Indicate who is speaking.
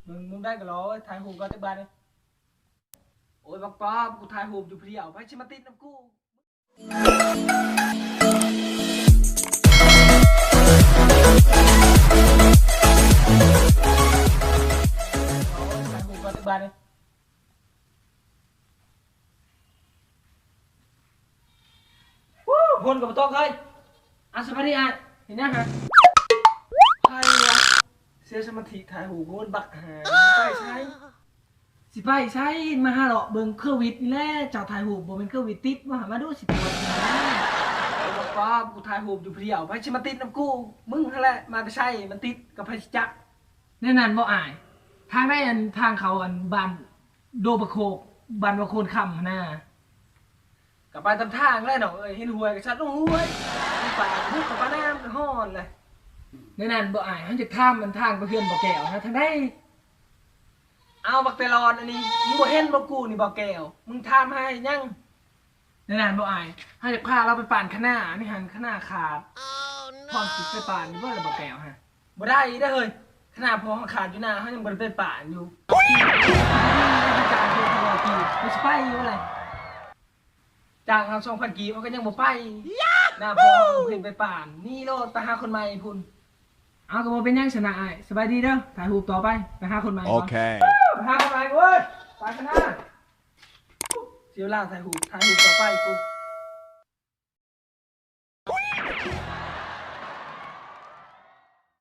Speaker 1: มึงได้ก็รอถ่ายหูปก็จะบานเลยโอ้ยบอกป๊อบกูถ่ายหูปอยู่เพียวไปชิมาติดน้ำกูถ่ายหูปก็จะบานเลยคนกับตัวเคยอาสมาธิอ่ะเห็นยังฮะใช่วะเสียสมาธิถ่ายหูคนบักหาไปใช่สิไปใช่มาหาหรอกเบิ่งเครื่องวิทย์นี่แหละเจ้าถ่ายหูบ่เป็นเครื่องวิทย์ติดมาดูสิปวดนะบอกว่ากูถ่ายหูอยู่เพียวไปชิมาติดน้ำกูมึงนั่นแหละมาไปใช่มันติดกับไพจักแน่นอนบ่อายทางได้อันทางเขาอันบานโดบะโคกบานบะโคนคำนะกับไปตามทางแล้วเนาะเห็นหวยกับชัดต้องหวยป่าพุกกับปลาน้ำกับห่อนเลยแน่นอนบ่อายเขาจะข้ามมันทางไปเพื่อนบ่แก้วนะทางได้เอาบักเตลอนอันนี้มึงบ่เห็นบ่กูนี่บ่แก้วมึงทำให้ยังแน่นอนบ่อายเขาจะพาเราไปป่านข้างหน้านี่หันข้างหน้าขาดพร้อมสิไปป่านนี่บ่เลยบ่แก้วฮะบ่ได้ได้เฮ้ยขนาดพอขาดอยู่หน้าเขายังบ่ได้ไปป่านอยู่การเททวกีไม่ใช่ไปอยู่อะไรจากเรา2,000กีมันก็ยังบ่ไปหน้าพอเห็นไปป่านนี่โลดไปหาคนใหม่พุ่นเอาก็บ่เป็นยังชนะไอ้สบายดีเด้อถ่ายรูปต่อไปหาคนใหม่โอเคไปหาคนใหม่เว้ยไปข้างหน้าเสียเวลาถ่ายรูปต่อไปกู